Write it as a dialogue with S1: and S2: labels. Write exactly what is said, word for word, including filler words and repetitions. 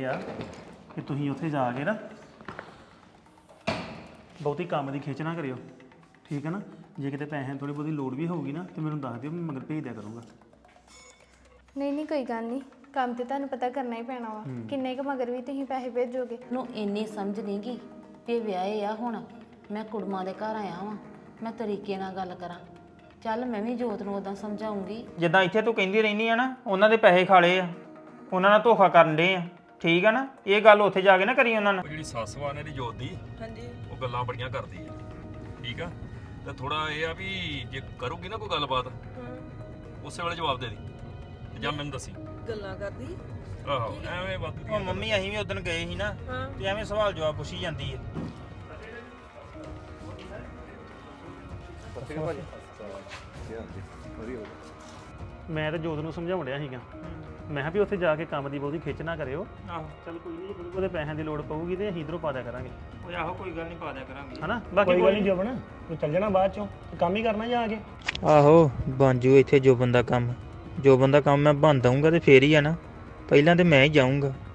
S1: ਇਹ ਆ ਕਿ ਤੁਸੀਂ ਉੱਥੇ ਜਾ ਕੇ ਨਾ ਬਹੁਤੀ ਕੰਮ ਦੀ ਖਿੱਚ ਨਾ ਕਰਿਓ, ਠੀਕ ਹੈ ਨਾ। ਜੇ ਕਿਤੇ ਪੈਸੇ ਥੋੜੀ ਬਹੁਤੀ ਲੋੜ ਵੀ ਹੋਊਗੀ ਨਾ ਤੇ ਮੈਨੂੰ ਦੱਸ ਦਿਓ, ਮੈਂ ਮਗਰ ਭੇਜ ਦਿਆ ਕਰੂੰਗਾ।
S2: ਨਹੀਂ ਨਹੀਂ ਕੋਈ ਗੱਲ ਨਹੀਂ, ਕੰਮ ਤੇ ਤੁਹਾਨੂੰ ਪਤਾ ਕਰਨਾ ਹੀ ਪੈਣਾ ਵਾ। ਕਿੰਨੇ ਕੁ ਮਗਰ ਵੀ ਤੁਸੀਂ ਪੈਸੇ ਭੇਜੋਗੇ?
S3: ਨੂੰ ਇੰਨੀ ਸਮਝ ਨਹੀਂ ਗਈ ਵੀ ਵਿਆਹੇ ਆ ਹੁਣ ਮੈਂ ਕੁੜਮਾਂ ਦੇ ਘਰ ਆਇਆ ਵਾਂ, ਮੈਂ ਤਰੀਕੇ ਨਾਲ ਗੱਲ ਕਰਾਂ। ਚੱਲ ਮੈਂ ਵੀ ਜੋਤ ਨੂੰ ਉਦਾਂ ਸਮਝਾਉਂਗੀ।
S4: ਜਿੱਦਾਂ ਇੱਥੇ ਤੂੰ ਕਹਿੰਦੀ ਰਹਿੰਦੀ ਆ ਨਾ, ਉਹਨਾਂ ਦੇ ਪੈਸੇ ਖਾਲੇ ਆ, ਉਹਨਾਂ ਨਾਲ ਧੋਖਾ ਕਰਨ ਦੇ ਆ, ਠੀਕ ਆ ਨਾ। ਇਹ ਗੱਲ ਉੱਥੇ ਜਾ ਕੇ ਨਾ ਕਰੀ ਉਹਨਾਂ ਨਾਲ।
S5: ਜਿਹੜੀ ਸੱਸ ਵਾ ਨੇ ਦੀ ਜੋਤ ਦੀ, ਹਾਂਜੀ, ਉਹ ਗੱਲਾਂ ਬੜੀਆਂ ਕਰਦੀ ਆ, ਠੀਕ ਆ। ਤੇ ਥੋੜਾ ਇਹ ਆ ਵੀ ਜੇ ਕਰੂਗੀ ਨਾ ਕੋਈ ਗੱਲਬਾਤ, ਉਸੇ ਵੇਲੇ ਜਵਾਬ ਦੇ ਦੀ ਤੇ ਜਾਂ ਮੈਨੂੰ ਦੱਸੀ।
S6: ਗੱਲਾਂ ਕਰਦੀ
S5: ਆਹੋ ਐਵੇਂ ਵਾਧੂ
S4: ਉਹ ਮੰਮੀ ਅਸੀਂ ਵੀ ਉਦੋਂ ਗਏ ਸੀ ਨਾ, ਤੇ ਐਵੇਂ ਸਵਾਲ ਜਵਾਬ ਪੁੱਛੀ ਜਾਂਦੀ ਹੈ।
S1: ਮੈਂ ਤਾਂ ਜੋਤ ਨੂੰ ਸਮਝਾਉਣ ਡਿਆ ਸੀਗਾ, ਮੈਂ ਕਿਹਾ ਵੀ ਉੱਥੇ ਜਾ ਕੇ ਕੰਮ ਦੀ ਬਹੁਤੀ ਖਿੱਚ ਨਾ ਕਰਿਓ।
S4: ਆਹੋ
S1: ਚੱਲ ਕੋਈ ਨਹੀਂ, ਜਦੋਂ ਉਹਦੇ ਪੈਸਿਆਂ ਦੀ ਲੋੜ ਪਊਗੀ ਤੇ ਅਸੀਂ ਇਧਰੋਂ ਪਾ ਦਿਆ ਕਰਾਂਗੇ,
S4: ਉਹ ਆਹੋ ਕੋਈ ਗੱਲ ਨਹੀਂ ਪਾ ਦਿਆ ਕਰਾਂਗੇ,
S1: ਹਨਾ। ਬਾਕੀ ਕੋਈ ਨਹੀਂ ਜੋਬਨ, ਤੂੰ ਚੱਲ ਜਾਣਾ ਬਾਅਦ ਚੋਂ, ਕੰਮ ਹੀ ਕਰਨਾ ਜਾ ਕੇ।
S4: ਆਹੋ ਬਣ ਜੂ ਇੱਥੇ ਜੋ ਬੰਦਾ ਕੰਮ, ਜੋ ਬੰਦਾ ਕੰਮ ਮੈਂ ਬਣ ਦਊਂਗਾ ਤੇ ਫੇਰ ਹੀ ਆ ਨਾ। ਪਹਿਲਾਂ ਤੇ ਮੈਂ ਹੀ ਜਾਊਂਗਾ।